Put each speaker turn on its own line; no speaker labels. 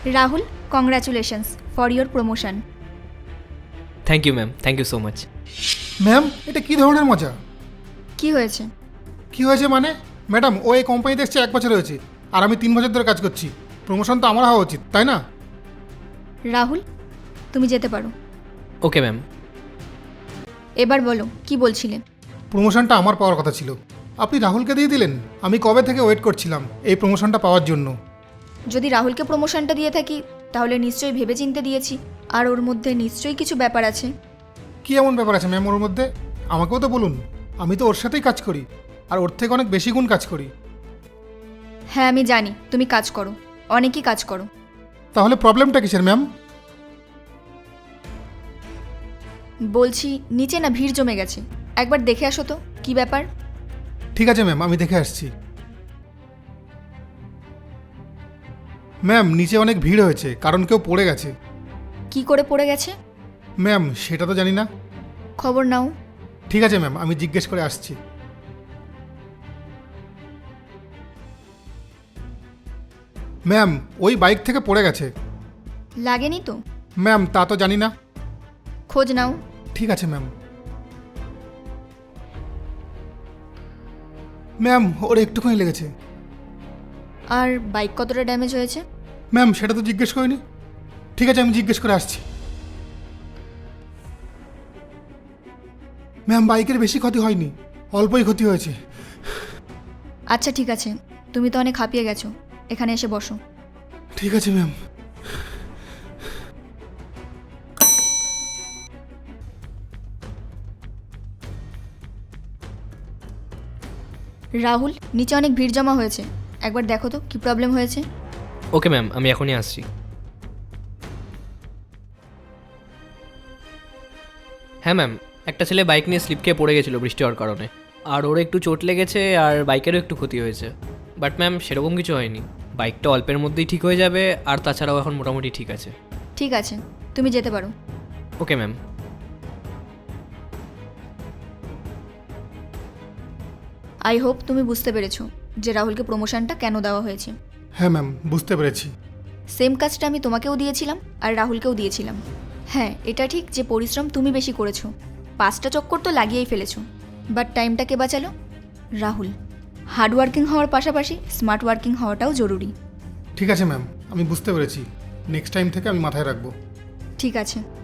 Rahul, congratulations for your promotion.
Thank you ma'am, thank you so much.
Ma'am, এটা কী ধরনের মজা?
কি হয়েছে?
কি হয়েছে মানে? ম্যাডাম, ও এই কোম্পানিতে এসছে 1 বছর হয়েছে, আর আমি 3 বছর ধরে কাজ করছি। প্রমোশন তো আমার হওয়া উচিত, তাই না?
রাহুল, তুমি যেতে পারো।
Okay ma'am.
এবার বলো, কি বলছিলে?
প্রমোশনটা আমার পাওয়ার কথা ছিল, আপনি রাহুলকে দিয়ে দিলেন। আমি কবে থেকে ওয়েট করছিলাম এই প্রমোশনটা পাওয়ার জন্য।
যদি রাহুলকে প্রমোশনটা দিয়ে থাকি তাহলে নিশ্চয়ই ভেবেচিন্তে দিয়েছি, আর ওর মধ্যে নিশ্চয়ই কিছু ব্যাপার আছে।
কী এমন ব্যাপার আছে ম্যাম ওর মধ্যে? আমাকেও তো বলুন, আমি তো ওর সাথেই কাজ করি, আর ওর থেকে অনেক বেশি গুণ কাজ করি।
হ্যাঁ, আমি জানি তুমি কাজ করো, অনেকই কাজ করো।
তাহলে প্রবলেমটা কিসের ম্যাম?
বলছি নিচে না ভিড় জমে গেছে, একবার দেখে আসো তো কি ব্যাপার।
ঠিক আছে ম্যাম, আমি দেখে আসছি। ম্যাম, নিচে অনেক ভিড় হয়েছে, কারণ কেউ পড়ে গেছে।
কি করে পড়ে গেছে?
ম্যাম, সেটা তো জানি না।
খবর নাও।
ঠিক আছে ম্যাম, আমি জিজ্ঞেস করে আসছি। ম্যাম, ওই বাইক থেকে পড়ে গেছে।
লাগেনি তো?
ম্যাম, তা তো জানি না।
খোঁজ নাও।
ঠিক আছে ম্যাম। ম্যাম, ওর একটুখানি লেগেছে।
আর বাইক কতটা ড্যামেজ হয়েছে?
ম্যাম, সেটা তো জিজ্ঞেস করিনি। ঠিক আছে, আমি জিজ্ঞেস করে আসছি। ম্যাম, বাইকের বেশি ক্ষতি হয়নি, অল্পই ক্ষতি হয়েছে।
আচ্ছা ঠিক আছে, তুমি তো অনেক হাঁপিয়ে গেছো, এখানে এসে বসো।
ঠিক আছে ম্যাম।
রাহুল, নিচে অনেক ভিড় জমা হয়েছে, একবার দেখো তো কি প্রবলেম হয়েছে।
ওকে ম্যাম, আমি এখনই আসছি। হ্যাঁ ম্যাম, একটা ছেলে বাইক নিয়ে স্লিপ খেয়ে পড়ে গেছিলো বৃষ্টি হওয়ার কারণে, আর ওর একটু চোট লেগেছে আর বাইকেরও একটু ক্ষতি হয়েছে। বাট ম্যাম, সেরকম কিছু হয়নি, বাইকটা অল্পের মধ্যেই ঠিক হয়ে যাবে, আর তাছাড়াও এখন মোটামুটি ঠিক আছে।
ঠিক আছে, তুমি যেতে পারো।
Okay ma'am.
আই হোপ তুমি বুঝতে পেরেছো যে রাহুলকে প্রমোশনটা কেন দেওয়া হয়েছে।
হ্যাঁ ম্যাম, বুঝতে পেরেছি।
সেম কাজটা আমি তোমাকেও দিয়েছিলাম আর রাহুলকেও দিয়েছিলাম। হ্যাঁ, এটা ঠিক যে পরিশ্রম তুমি বেশি করেছো, 5টা চক্কর তো লাগিয়েই ফেলেছো, বাট টাইমটা কে বাঁচালো? রাহুল। হার্ড ওয়ার্কিং হওয়ার পাশাপাশি স্মার্ট ওয়ার্কিং হওয়াটাও জরুরি।
ঠিক আছে ম্যাম, আমি বুঝতে পেরেছি। নেক্সট টাইম থেকে আমি মাথায় রাখবো।
ঠিক আছে।